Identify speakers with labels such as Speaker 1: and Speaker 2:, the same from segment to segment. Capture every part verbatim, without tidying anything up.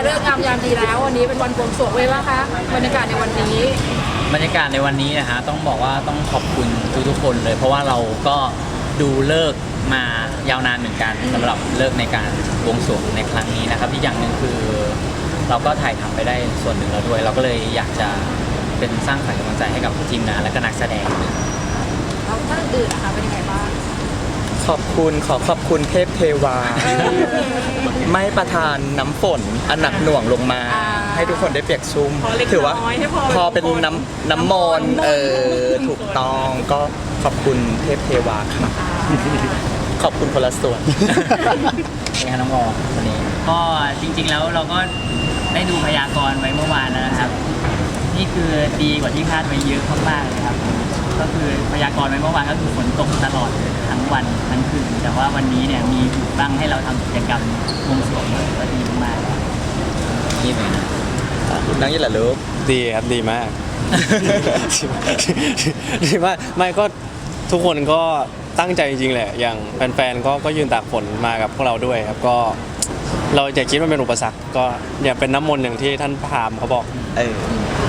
Speaker 1: เลิกงามยามดีแล้ววันนี้เป็นวันบวงสรวงเลยว่าคะบรรยากาศในวันนี้
Speaker 2: บรรยากาศในวันนี้นะฮะต้องบอกว่าต้องขอบคุณทุกๆคนเลย เพราะว่าเราก็ดูเลิกมายาวนานเหมือนกันสำหรับเลิกในการบวงสรวงในครั้งนี้นะครับที่อย่างหนึ่งคือ เราก็ถ่ายทำไปได้ส่วนหนึ่งแล้วด้วย เราก็เลยอยากจะเป็นสร้างขวัญกำลังใจให้กับทีมงานและก็นักแสดง
Speaker 1: แล้วท่านอื่นนะคะเป็นยังไงบ้าง
Speaker 3: ขอบคุณขอขอบคุณเทพเทวาไม่ประทานน้ำฝนอันหนักหน่วงลงมาให้ทุกคนได้เปียกชุ่มถือว่าพอเป็นน้ำน้ำมนต์เออถูกต้องก็ขอบคุณเทพเทวาค่ะขอบคุณคนละส่วน
Speaker 2: เป็นไงน้องอวันนี้
Speaker 4: ก็จริงๆแล้วเราก็ได้ดูพยากรณ์ไว้เมื่อวานนะครับนี่คือดีกว่าที่คาดไว้เยอะมากๆเลยครับก็คือพยากรณ์ไว้เมื่อวานก็คือฝนตกตลอดทั้งวันทั้งคืนแต่ว่าวันนี้เนี่ยมีหยุดบ้างให้เราทำกิจกรรมบวงสรวงก็ดีมาก
Speaker 2: ๆนี่เลยนะ
Speaker 3: นั่งยี่หละลูก
Speaker 5: ดีครับดีมาก ดีมากไม่ก็ทุกคนก็ตั้งใจจริงๆแหละอย่างแฟนๆก็ก็ยืนตากฝนมากับพวกเราด้วยครับก็เราอย่าคิดว่าเป็นอุปสรรคก็อย่าเป็นน้ำมนต์อย่างที่ท่านพราหมณ์เขาบอก
Speaker 3: เออ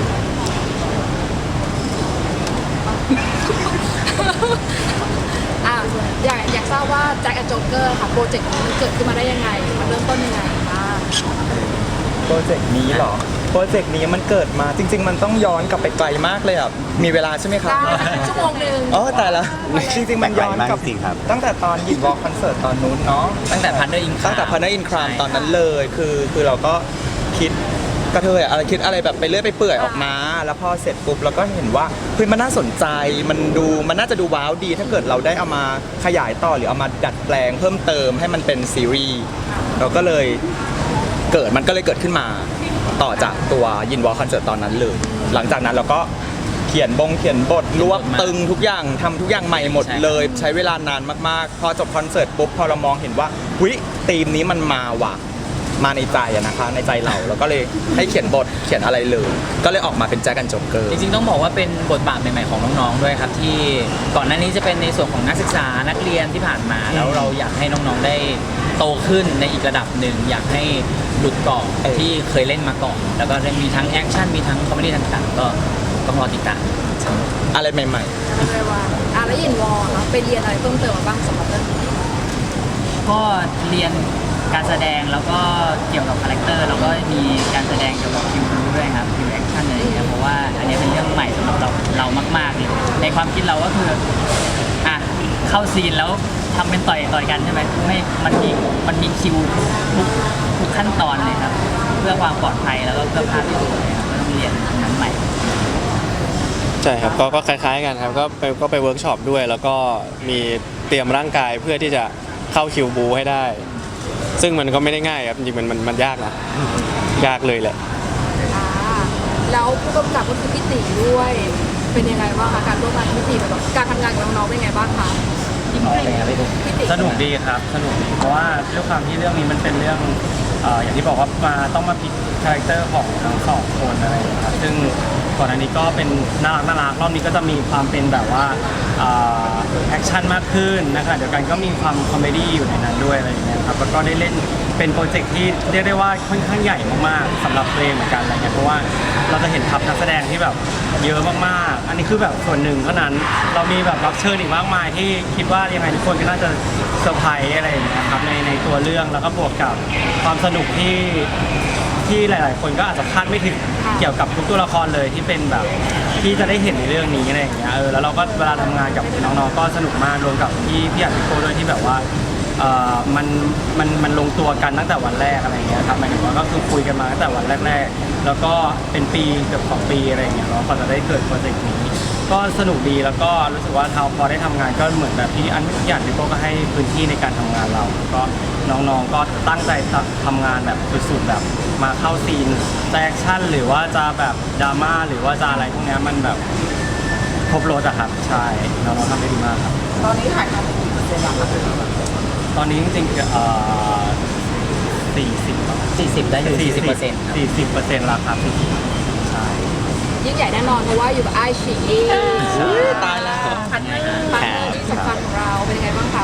Speaker 1: อ่ะอยากอยากทราบว่าแจ็คแอนด์โจ๊กเกอร์ค่ะโปรเจกต์นี้มันเกิดขึ้นมาได้ยังไงมันเริ่มต้นยังไงบ้าง
Speaker 3: โปรเจกต์นี้เหรอโปรเจกต์นี้มันเกิดมาจริงๆมันต้องย้อนกลับไปไกลมากเลยอ่ะมีเวลาใช่ไหมครับ
Speaker 1: ชั่วโมงนึง
Speaker 3: อ๋อแต่ละจริงๆมันย้อนกลับตั้งแต่ตอนหยิบวอลคอนเสิร์ตตอนนู้นเนาะ
Speaker 2: ตั้งแต่พันเดอร์อิน
Speaker 3: ตั้งแต่พันเดอร์อินครามตอนนั้นเลยคือคือเราก็คิดกระเทยอะไรคิดอะไรแบบไปเรื่อยไปเปื่อยออกมาแล้วพอเสร็จปุ๊บเราก็เห็นว่าเฮ้ยมันน่าสนใจมันดูมันน่าจะดูว้าวดีถ้าเกิดเราได้เอามาขยายต่อหรือเอามาดัดแปลงเพิ่มเติมให้มันเป็นซีรีส์เราก็เลยเกิดมันก็เลยเกิดขึ้นมาต่อจากตัวยินวอลคอนเสิร์ตตอนนั้นเลยหลังจากนั้นเราก็เขียนบงเขียนบทรวบตึงทุกอย่างทำทุกอย่างใหม่หมดเลยใช้เวลานานมากๆพอจบคอนเสิร์ตปุ๊บพอเรามองเห็นว่าหุ้ยธีมนี้มันมาว่ะมาในใจอะนะคะในใจเราแล้วก็เลยให้เขียนบทเขียนอะไรเลยก็เลยออกมาเป็นแจ็คแอนด์โจ๊กเกอร์
Speaker 2: จริงๆต้องบอกว่าเป็นบทบาทใหม่ๆของน้องๆด้วยครับที่ก่อนหน้านี้จะเป็นในส่วนของนักศึกษานักเรียนที่ผ่านมาแล้วเราอยากให้น้องๆได้โตขึ้นในอีกระดับหนึ่งอยากให้หลุดกรอบที่เคยเล่นมาก่อนแล้วก็มีทั้งแอคชั่นมีทั้งคอมเมดี้ต่างๆก็ต้องรอติดตาม
Speaker 3: อะไรใหม่
Speaker 1: ๆอะไรว่าอ่ะแล้วยินวอลไปเรียนอะไรเพิ่มเติมมาบ้างสำหรับเรื่องนี้
Speaker 4: ก็เรียนการแสดงแล้วก็เกี่ยวกับคาแรคเตอร์แล้วก็มีการแสดงเกี่ยวกับคิวบูด้วยครับคิวแอคชั่นอะไรอย่างเงี้ยเพราะว่าอันนี้เป็นเรื่องใหม่สำหรับเราเรามากๆเลยในความคิดเราก็คืออ่ะเข้าซีนแล้วทำเป็นต่อยต่อยกันใช่ไหมไม่มันมีมันมีคิวทุกทุกขั้นตอนเลยครับเพื่อความปลอดภัยแล้วก็เพื่อภาพที่สวยครับก็ต้องเรียนนั้นใหม่
Speaker 5: ใช่ครับก็ก็คล้ายๆกันครับก็ไปก็ไปเวิร์กช็อปด้วยแล้วก็มีเตรียมร่างกายเพื่อที่จะเข้าคิวบูให้ได้ซึ่งมันก็ไม่ได้ง่ายครับจริงๆมันมันมันยากนะยากเลยแหละ
Speaker 1: แล้วผู้กำกับก็คือพี่ตีด้วยเป็นยังไงบ้างคะการร่วมงานกับพี่ตีแบบการทำงานกับน้องๆเป็นยังไงบ้างคะ
Speaker 6: สนุกดีครับสนุกดีเพราะว่าด้วยความที่เรื่องนี้มันเป็นเรื่องอย่างที่บอกว่ามาต้องมาพลิกคาแรคเตอร์ของทั้งสองคนอะไรอย่างเงี้ยครับซึ่งก่อนอันนี้ก็เป็นน่ารักน่ารักรอบนี้ก็จะมีความเป็นแบบว่าแอคชั่นมากขึ้นนะคะเดี๋ยวกันก็มีความคอมเมดี้อยู่ในนั้นด้วยอะไรอย่างเงี้ยครับแล้วก็ได้เล่นเป็นโปรเจกต์ที่เรียกได้ว่าค่อนข้างใหญ่มากๆสำหรับตัวเองเหมือนกันอะไรเงี้ยเพราะว่าเราจะเห็นทัพนักแสดงที่แบบเยอะมากๆอันนี้คือแบบส่วนหนึ่งเท่านั้นเรามีแบบรับเชิญอีกมากมายที่คิดว่ายังไงทุกคนก็น่าจะเซอร์ไพรส์อะไรอย่างเงี้ยครับในในตัวเรื่องแล้วก็บวกกับความสนุกที่ที่หลายๆคนก็อาจจะคาดไม่ถึงเกี่ยวกับทุกตัวละครเลยที่เป็นแบบที่จะได้เห็นในเรื่องนี้อะไรอย่างเงี้ยเออแล้วเราก็เวลาทำงานกับน้องๆก็สนุกมากรวมกับพี่พี่อัดพี่โก้ด้วยที่แบบว่าเอ่อมันมันมันลงตัวกันตั้งแต่วันแรกอะไรอย่างเงี้ยครับหมายถึงว่าก็คือคุยกันมาตั้งแต่วันแรกๆแล้วก็เป็นปีเกือบสองปีอะไรอย่างเงี้ยเนาะกว่าจะได้เกิดโปรเจกต์นี้ก็สนุกดีแล้วก็รู้สึกว่าเราพอได้ทำงานก็เหมือนแบบที่อันทุกอย่างพี่โก้ก็ให้พื้นที่ในการทำงานเราก็น้องๆก็ตั้งใจทำงานแบบสุดๆแบบมาเข้าซีนจะแอคชั่นหรือว่าจะแบบดราม่าหรือว่าจะอะไรพวกนี้มันแบบครบรถอะครับใช่น้องๆทำได้ดีมากครับ
Speaker 1: ตอนนี้ถ่ายทำไปกี่เปอร์เซ็นต์แล้วครับ
Speaker 6: ตอนนี้จริงๆเอ่อสี่สิบ
Speaker 2: สี่สิบได้อยู่สี่สิบเปอร์เซ็นต์
Speaker 6: สี่สิบเปอร์เซ็นต์ราคาสี่สิบใช่
Speaker 1: ยิ่งใหญ่แน่นอนเพราะว่าอยู่กับไอชี
Speaker 3: ตายแล้ว
Speaker 1: พันธุ์ที่สำคัญของเราเป็นยังไงบ้างคะ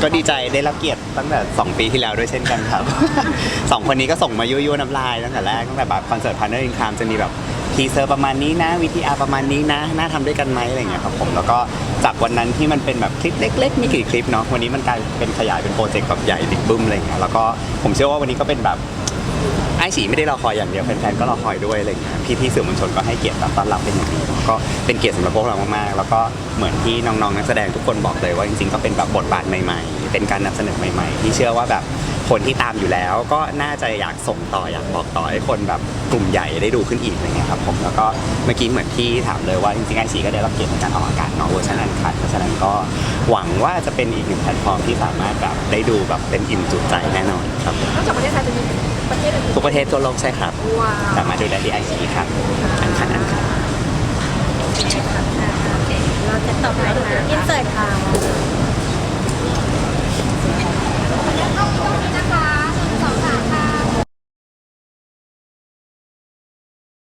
Speaker 7: ก็ดีใจได้รับเกียรติตั้งแต่สองปีที่แล้วด้วยเช่นกันครับ สองคนนี้ก็ส่งมายั่วๆน้ำลายตั้งแต่แรกตั้งแต่แบบคอนเสิร์ตพาร์เนอร์อินคามจะมีแบบทีเซอร์ประมาณนี้นะวิทีอาร์ประมาณนี้นะน่าทำด้วยกันไหมอะไรอย่างเงี้ยครับผมแล้วก็จากวันนั้นที่มันเป็นแบบคลิปเล็กๆมีกี่คลิปเนาะวันนี้มันกลายเป็นขยายเป็นโปรเจกต์แบบใหญ่บิ๊กบึ้มอะไรอย่างเงี้ยแล้วก็ผมเชื่อว่าวันนี้ก็เป็นแบบไอ้ฉีไม่ได้รอคอยอย่างเดียวแฟนๆก็รอคอยด้วยอะไรอย่างเงี้ยพี่ๆสื่อมวลชนก็ให้เกียรติต้อนรับเป็นอย่างดีก็เป็นเกียรติสำหรับพวกเรามากๆแล้วก็เหมือนที่น้องๆนักแสดงทุกคนบอกเลยว่าจริงๆก็เป็นแบบบทบาทใหม่ๆเป็นการนำเสนอใหม่ๆที่เชื่อว่าแบบคนที่ตามอยู่แล้วก็น่าจะอยากส่งต่ออยากบอกต่อให้คนแบบกลุ่มใหญ่ได้ดูขึ้นอีกอะไรเงี้ยครับผมแล้วก็เมื่อกี้เหมือนที่ถามเลยว่าจริงๆไอซีก็ได้รับเกียรติในการออกอากาศเนาะเวอร์ชันอันคัดเพราะฉะนั้นก็หวังว่าจะเป็นอีกหนึ่งแพลตฟอร์มที่สามารถแบบได้ดูแบบเต็มอิ่มจุใจแน่นอนครับ
Speaker 1: นอกจากประเทศไทยจะมีประเทศอื่น
Speaker 7: ทุกประเทศทั่วโลกใช่ครับ
Speaker 1: ว้าว
Speaker 7: สามารถดูได้ที่ไอซีครับอันคัดอันคัด
Speaker 8: เราจะตบไปนะอินเสิร์ตค่ะ